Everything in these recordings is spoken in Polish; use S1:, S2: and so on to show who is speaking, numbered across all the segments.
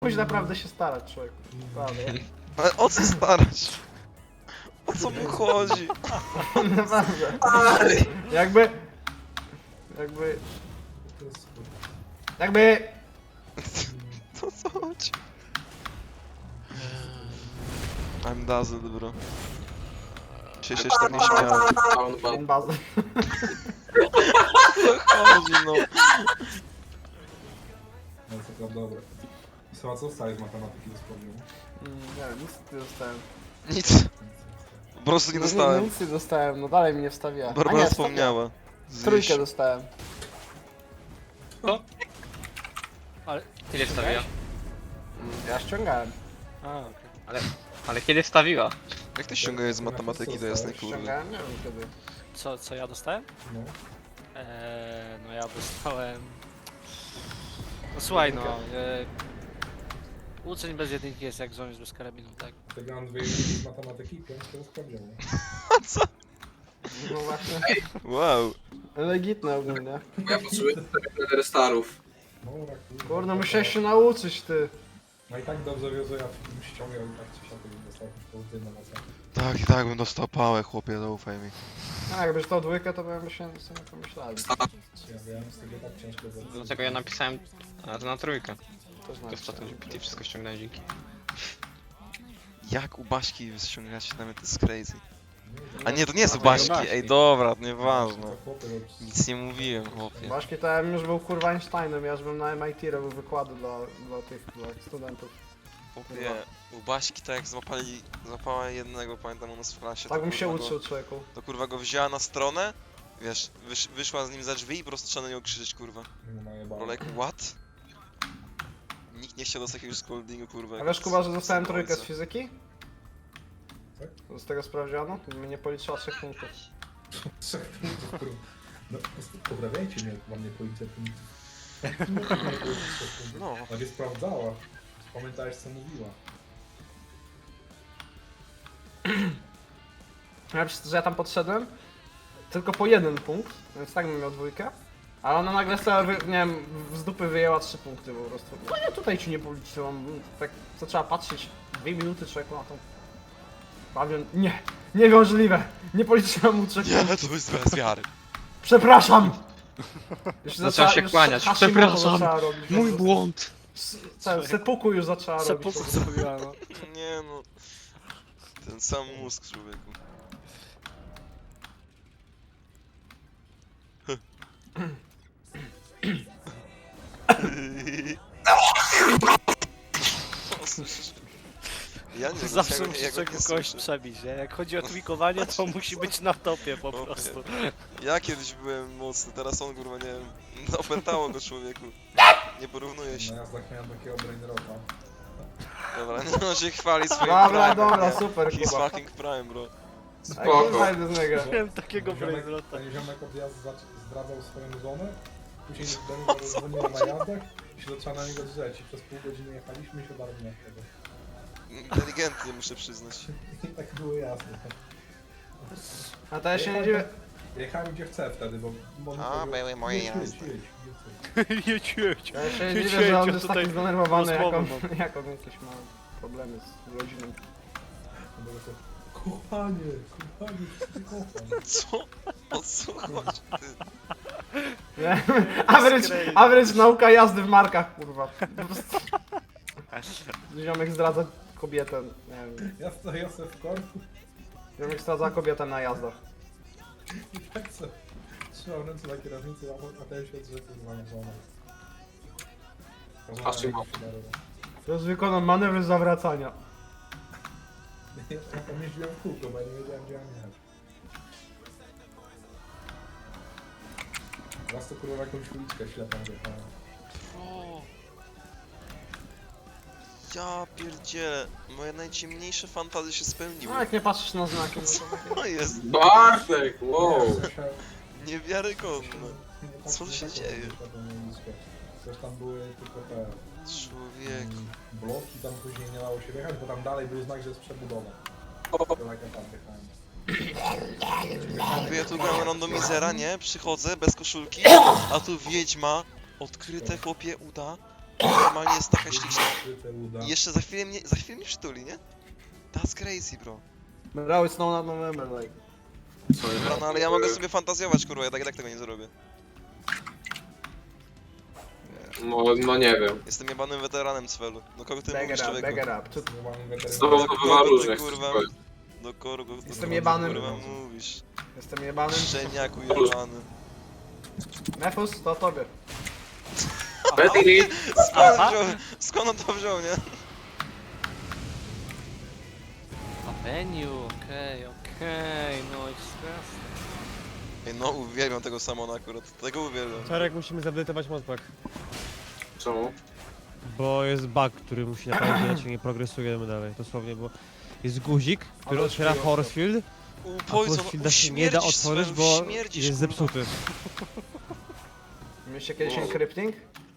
S1: Musisz naprawdę się starać, człowieku. Naprawdę.
S2: Ale o co starać? O co mu chodzi?
S1: Naprawdę.
S3: Stary!
S1: Jakby... Jakby...
S2: To co chodzi? I'm dazzled, bro. Czy się tak nie śmiałem?
S1: Ten bazę.
S2: Co chodzi, no?
S4: No to prawda, dobre. Słuchaj, co dostałeś z matematyki do sprawdzianu?
S1: Nie wiem, nic nie dostałem.
S2: Nic. Po prostu nie
S1: No,
S2: dostałem.
S1: nic nie dostałem, no dalej mnie wstawiła. A
S2: Barbara
S1: nie,
S2: wspomniała.
S1: wstawiła. Trójkę dostałem.
S5: Kiedy wstawiła?
S1: Ja ściągałem.
S5: A, okej. Ale kiedy wstawiła?
S2: Jak ty ściągałeś z matematyki do jasnej kurwy?
S1: Ściągałem, nie wiem kiedy.
S5: Co ja dostałem?
S4: No.
S5: No ja dostałem... No słuchaj no, uczeń bez jedynki jest jak żołnierz bez karabinu, tak?
S4: Przegrałem 2 z matematyki i 5 do sprawdzianu.
S1: No właśnie.
S2: Wow.
S1: Legitne ogólnie.
S3: Ja potrzebuję sobie starów.
S4: No, tak,
S1: Kurde, musiałeś się nauczyć, ty.
S4: No i tak dobrze wie, że ja bym ściągał i tak czy siak bym dostał pozytywne na co.
S2: Tak i tak bym dostał pałę, chłopie, zaufaj mi.
S1: A jakbyś to dwójkę, to bym się sobie pomyślał.
S4: Ja wiem, z tego tak ciężko zrobić.
S5: Dlatego ja napisałem to na trójkę.
S1: To
S5: To w czatu GPT wszystko ściągnąłem dzięki.
S2: Jak u Baśki ściągać nawet to jest crazy. A
S4: No,
S2: nie, to nie jest u
S5: No,
S2: Baśki,
S5: Baśki.
S2: ej dobra, nieważne.
S4: to chłopy robią-
S2: Nic nie mówiłem, chłopie.
S1: Baszki to ja bym już był kurwa Einsteinem, ja już bym na MIT robił wykłady dla tych studentów.
S2: Chłopie, u Baśki tak jak złapała jednego, pamiętam u nas w klasie,
S1: Tak
S2: to
S1: bym się
S2: kurwa
S1: uczył, człowieku.
S2: To kurwa go wzięła na stronę, wiesz, wyszła z nim za drzwi i po prostu trzeba na nią krzyczeć, kurwa.
S4: No, najebane.
S2: Bro, like, what? Nikt nie chciał dostać jakiegoś scoldingu, kurwa.
S1: A
S2: jak
S1: wiesz
S2: z-
S1: Kuba, że
S2: z
S1: dostałem trójkę z
S2: ojca.
S1: fizyki? Z tego sprawdziano? Mnie nie policzyła 3 punktów.
S4: 3 punktów, kurwa. No, po prostu poprawiajcie mnie, mam nie policzę punktów.
S2: No.
S4: Nawet sprawdzała. Pamiętałeś co mówiła.
S1: Ja przez to, że ja tam podszedłem, tylko po 1 punkt, więc tak bym miał dwójkę. Ale ona nagle sobie, nie wiem, z dupy wyjęła 3 punkty po prostu. No ja tutaj ci nie policzyłam, tak zaczęła patrzeć 2 minuty człowieku na tą... Pawion, niemożliwe, nie policzyłam mu 3
S2: Nie,
S1: punktów.
S2: to jest bez wiary.
S1: Przepraszam! Jeszcze
S5: Zaczęła się
S1: już
S5: kłaniać.
S1: Hashimoto
S5: Przepraszam,
S1: zaczęła robić, po
S5: mój
S1: prostu.
S5: błąd!
S1: Sepuku już zaczęła robić.
S5: Seppuku
S1: po prostu.
S5: zrobiła, no.
S2: Nie no. Ten sam mózg, człowieku. Ja nie wiem,
S5: Zawsze
S2: ja
S5: musi
S2: go nie
S5: czego kogoś
S2: słyszę.
S5: przebić, nie? Jak chodzi o tweakowanie, to musi być na topie po
S2: Chłopie.
S5: prostu.
S2: Ja kiedyś byłem mocny, teraz on kurwa nie wiem. Opętało go człowieku. Nie porównuje się.
S4: Na jazdach miałem takiego brainrota.
S2: Dobra, nie on się chwali swoim
S1: Dobra,
S2: prime.
S1: dobra,
S2: nie?
S1: super,
S2: He's
S1: Kuba.
S2: fucking prime, bro.
S1: A jak
S3: Spoko.
S1: znajdę z niego?
S5: Miałem takiego
S4: Ten ziomek-
S5: brainrota.
S4: Ten ziomek od jazdy zdradzał swoją żonę. Później do niego dzwoniła na jazdach i się zaczęła na niego drzeć. I przez pół godziny jechaliśmy i się bardzo nie wtedy.
S2: Inteligentnie muszę przyznać.
S4: I tak było jasne.
S1: A to ja się nie dziwię.
S4: Jechałem gdzie chcę wtedy, bo...
S2: A, były moje
S4: jedź,
S2: jazdy.
S5: Jedź, jedź.
S1: Ja się nie
S5: Jedź,
S1: dziwię, że on
S5: jedź,
S1: jest
S5: tutaj
S1: taki zdenerwowany, jak on,
S5: rozmowę
S1: jak on jakieś ma problemy z rodziną.
S4: Kochanie, cię kocham.
S2: Co? O co chodzi? Ty?
S1: Nie? Average nauka jazdy w markach, kurwa. Po prostu. Ziomek zdradza kobietę, nie wiem.
S4: Ja stoję sobie w korku
S1: Ziomek zdradza kobietę na jazdach.
S4: i tak sobie trzymam ręce na kierownicy, a ten się drze kurwa na żonę.
S3: A czym?
S1: Teraz wykonam manewr zawracania.
S4: Ja tam jeździłem w kółko, bo ja nie wiedziałem gdzie mam jechać. Raz to kurwa jakąś uliczkę ślepą wjechałem.
S2: Ja pierdzielę. Moje najciemniejsze fantazje się spełniły.
S1: No jak nie patrzysz na znaki, no to takie...
S2: To jest
S3: Bartek, wow!
S2: niewiarygodne.
S4: Nie
S2: Co
S4: tak-
S2: się
S4: nie taką
S2: dzieje?
S4: taką uliczkę. Też tam były tylko te
S2: Człowieku.
S4: bloki, tam później nie dało się wjechać, bo tam dalej był znak, że jest przebudowa. To jak ja tam wjechałem.
S2: Ja tu grałem randomizera, nie? Przychodzę bez koszulki, a tu wiedźma, odkryte chłopie uda, Normalnie jest taka śliczna.
S4: Ukryte uda.
S2: I jeszcze za chwilę mnie przytuli, nie? That's crazy, bro.
S1: Now it's not November, like.
S2: Dobra, no ale ja mogę sobie fantazjować, kurwa, ja tak tego nie zrobię.
S3: No nie wiem.
S2: Jestem jebanym weteranem Cwelu. Do kogo ty
S1: Bag
S2: mówisz,
S1: it up,
S2: człowieku?
S1: bag it up. Co-
S4: Nie mam weterynarzy.
S3: Z tobą to bywa
S2: Kogo ty,
S3: różne.
S2: kurwa? Do kogo
S1: Jestem jebanym.
S2: kurwa mówisz?
S1: Jestem jebanym.
S2: Szczeniaku jebany.
S1: Nefus, to o tobie.
S3: Pedigree!
S2: Skąd on to wziął, nie?
S5: A menu, okej, no express.
S2: Ej, no uwielbiam tego Samona akurat, tego uwielbiam.
S6: Czarek, musimy zaedytować modpack.
S3: Czemu?
S6: Bo jest bug, który musi naprawić, inaczej nie progresujemy dalej. Dosłownie, bo jest guzik, który
S1: Ale
S6: otwiera
S1: przyjął to.
S6: Forcefield, a
S2: Poison,
S6: Forcefielda się nie da otworzyć, bo jest zepsuty.
S1: Mieliście kiedyś
S3: Wow.
S1: encrypting?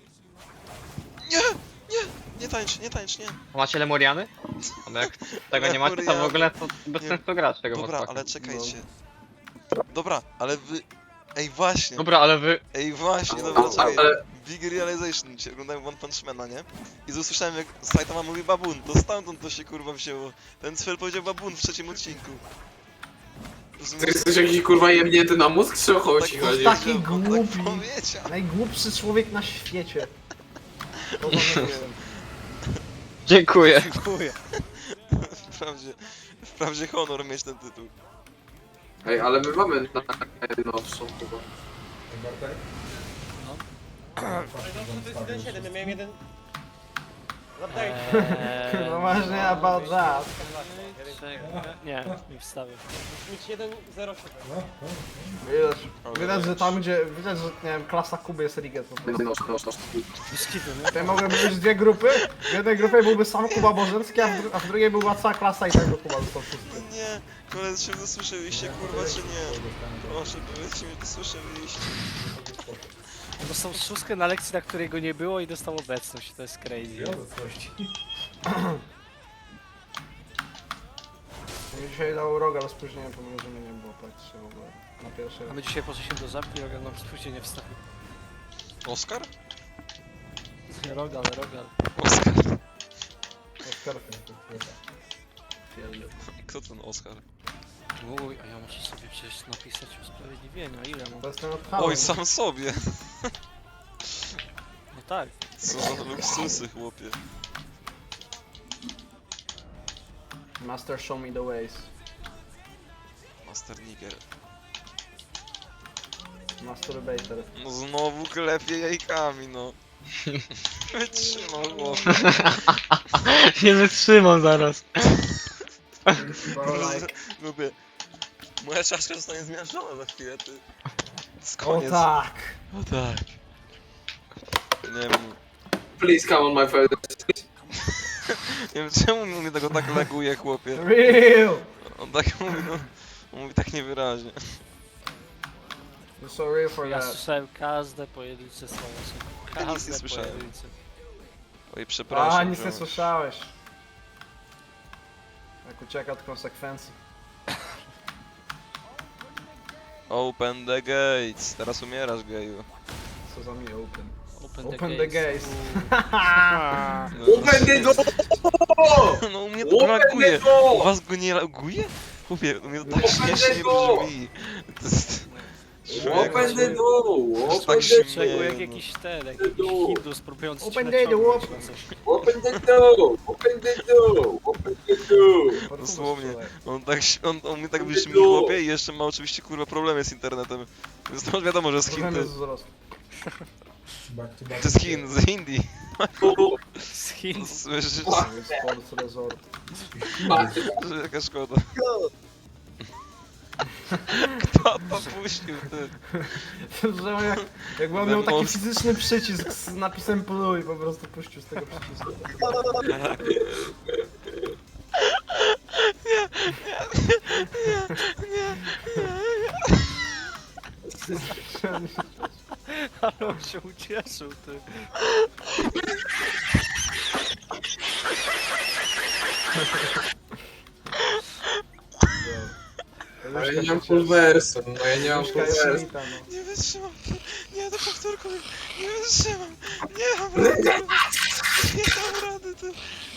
S2: Nie tańcz, nie tańcz, nie.
S7: Macie Lemuriany? No jak tego nie macie, to w ogóle to bez
S2: Nie.
S7: sensu grać tego
S2: Dobra,
S7: modpacka.
S2: ale czekajcie. Dobra, ale wy... Ej, właśnie.
S7: Dobra, ale wy...
S2: Ej, właśnie, dobra, czekaj.
S3: Ale
S2: Big Realization, dzisiaj oglądałem One Punch Mana, nie? I usłyszałem jak Saitama mówi babun, to stamtąd to się kurwa wzięło. Ten Sfel powiedział babun w trzecim odcinku.
S3: ty jesteś jakiś kurwa jemnięty na mózg, czy o chodzi?
S2: Tak,
S3: chodzi?
S1: taki
S2: on
S1: głupi.
S2: Tak powiedział.
S1: Najgłupszy człowiek na świecie. To
S7: Dziękuję.
S5: Dziękuję.
S2: Wprawdzie honor mieć ten tytuł.
S3: Ej, ale my mamy najnowszą chyba.
S4: Bartek?
S5: No.
S6: Ja miałem jeden...
S1: No właśnie about that.
S5: Nie, nie wstawię.
S6: Mieć 1.07.
S4: No, no.
S1: Widać, że tam gdzie, widać, że nie wiem, klasa Kuby jest Riget po prostu.
S3: Najnowszą.
S5: Biskitu, nie?
S1: Tutaj mogłyby być dwie grupy, w jednej grupie byłby sam Kuba Bożenski, a w drugiej była cała klasa i tak by Kuba został szósty.
S2: Nie, koledzy, czy dosłyszeliście kurwa, czy nie? Proszę, powiedzcie mi, dosłyszeliście.
S5: Dostał szóstkę na lekcji, na której go nie było i dostał obecność, to jest crazy.
S4: Ja obecności.
S1: Mi dzisiaj dał roga, ale spóźniłem, pomimo że mnie nie było praktycznie w ogóle. Na pierwszy
S5: A
S1: raz.
S5: my dzisiaj poszliśmy do żabki, Rogal nam spóźnienie wstawił.
S2: Oskar?
S5: Rogal.
S2: Oskar.
S1: Oskar.
S2: Kto ten Oskar?
S5: Uj, a ja muszę sobie przecież napisać usprawiedliwienia, ile mam?
S1: To jest ten odchałem.
S2: Oj, sam sobie.
S5: No tak.
S2: Co za luksusy, chłopie.
S1: Master show me the ways.
S2: Master Nigger.
S1: Masturbator.
S2: No znowu klepie jajkami, no. Wytrzymał chłopie.
S7: Nie wytrzymam zaraz.
S1: Bro, like.
S2: Lubię. Moja czaszka zostanie zmiażdżona za chwilę, ty. Z
S1: O
S2: koniec.
S1: tak!
S2: O tak. Nie wiem,
S3: Please come on my face.
S2: nie wiem czemu mnie tego tak laguje, chłopie.
S1: Real!
S2: On tak mówi, no. On mówi tak niewyraźnie.
S1: You're so real for
S5: Ja
S1: that.
S5: słyszałem każde pojedyncze słowo.
S2: Ja nic nie
S5: Każde
S2: słyszałem.
S5: pojedyncze.
S2: Oj, przepraszam.
S1: A, nic nie
S2: ziomek.
S1: słyszałeś. Jak ucieka od konsekwencji.
S2: Open the gates. Teraz umierasz, geju.
S1: Co za mi open.
S5: Open the gates.
S2: No,
S3: Open the door!
S2: no u mnie to
S3: Open
S2: laguje.
S3: the door!
S2: U was go nie laguje? Chłopie, u mnie to tak
S3: Open
S2: śmiesznie
S3: the door!
S2: brzmi. To jest...
S3: Open the door!
S2: Tak
S3: Open
S2: się
S3: the
S5: Czego
S2: Nie,
S5: jak
S2: no.
S5: jakiś ten, jak jakiś Hindus próbujący
S1: Open
S5: ci
S1: the door,
S5: naciągnąć
S1: open.
S5: na coś.
S3: Open the door! Open the door! Open the door!
S2: Dosłownie. On mnie tak
S3: Open
S2: brzmi,
S3: the door!
S2: chłopie, i jeszcze ma oczywiście kurwa problemy z internetem. Więc to wiadomo, że z Chin
S1: Problem
S2: to,
S1: jest wzrost.
S4: Back to back.
S2: to z Chin, z Indii.
S5: Z Chin.
S2: Słyszysz,
S1: Sports resort.
S2: że jaka szkoda. Kto to puścił, ty?
S1: Że on jakby on miał taki
S2: Most.
S1: fizyczny przycisk z napisem pluj, po prostu puścił z tego przycisku.
S5: Ale on się ucieszył, ty.
S3: Ale ja nie mam full versu, no ja nie mam full versu.
S1: no.
S2: Nie wytrzymam. Nie, do powtórku. Nie wytrzymam. Nie mam rady, kurwa. Nie mam rady, ty.